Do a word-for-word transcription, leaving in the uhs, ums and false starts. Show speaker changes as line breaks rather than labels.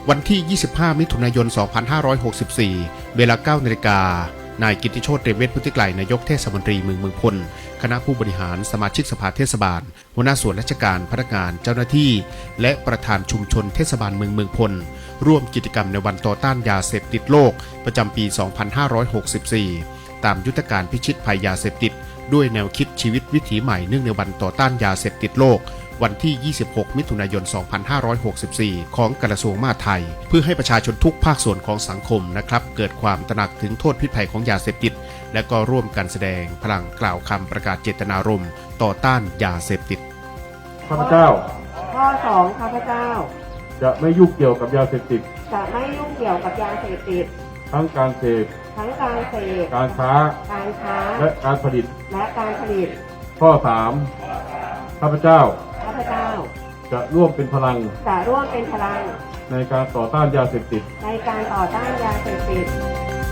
วันที่ ยี่สิบห้า มิถุนายน สองพันห้าร้อยหกสิบสี่ เวลา เก้า นาฬิกา นายกิตติโชติ เตรียมเวชพุทธิไกร นายกเทศมนตรีเมืองเมืองพล คณะผู้บริหารสมาชิกสภาเทศบาล หัวหน้าส่วนราชการพนักงานเจ้าหน้าที่ และประธานชุมชนเทศบาลเมืองเมืองพล ร่วมกิจกรรมในวันต่อต้านยาเสพติดโลกประจำปี สองพันห้าร้อยหกสิบสี่ ตามยุทธการพิชิตภัยยาเสพติดด้วยแนวคิดชีวิตวิถีใหม่เนื่องในวันต่อต้านยาเสพติดโลกวันที่ ยี่สิบหก มิถุนายน สองพันห้าร้อยหกสิบสี่ ของกระทรวงมหาดไทยเพื่อให้ประชาชนทุกภาคส่วนของสังคมนะครับเกิดความตระหนักถึงโทษพิษภัยของยาเสพติดและก็ร่วมกันแสดงพลังกล่าวคำประกาศเจตนารมณ์ต่อต้านยาเสพติด
ข้าพเจ้า
ข้อสองข้าพเจ้า
จะไม่ยุ่งเกี่ยวกับยาเสพติด
จะไม่ยุ่งเกี่ยวกับยาเสพติด
ทั้งการเสพ
ทั้งการเสพ
การค้า
การค้า
และการผลิต
และการผลิต
ข้อสามข้าพเจ้า
ข้าพเจ้า
จะร่วมเป็นพลัง
จะร่วมเป็นพลัง
ในการต่อต้านยาเสพติด
ในการต่อต้านยาเสพติด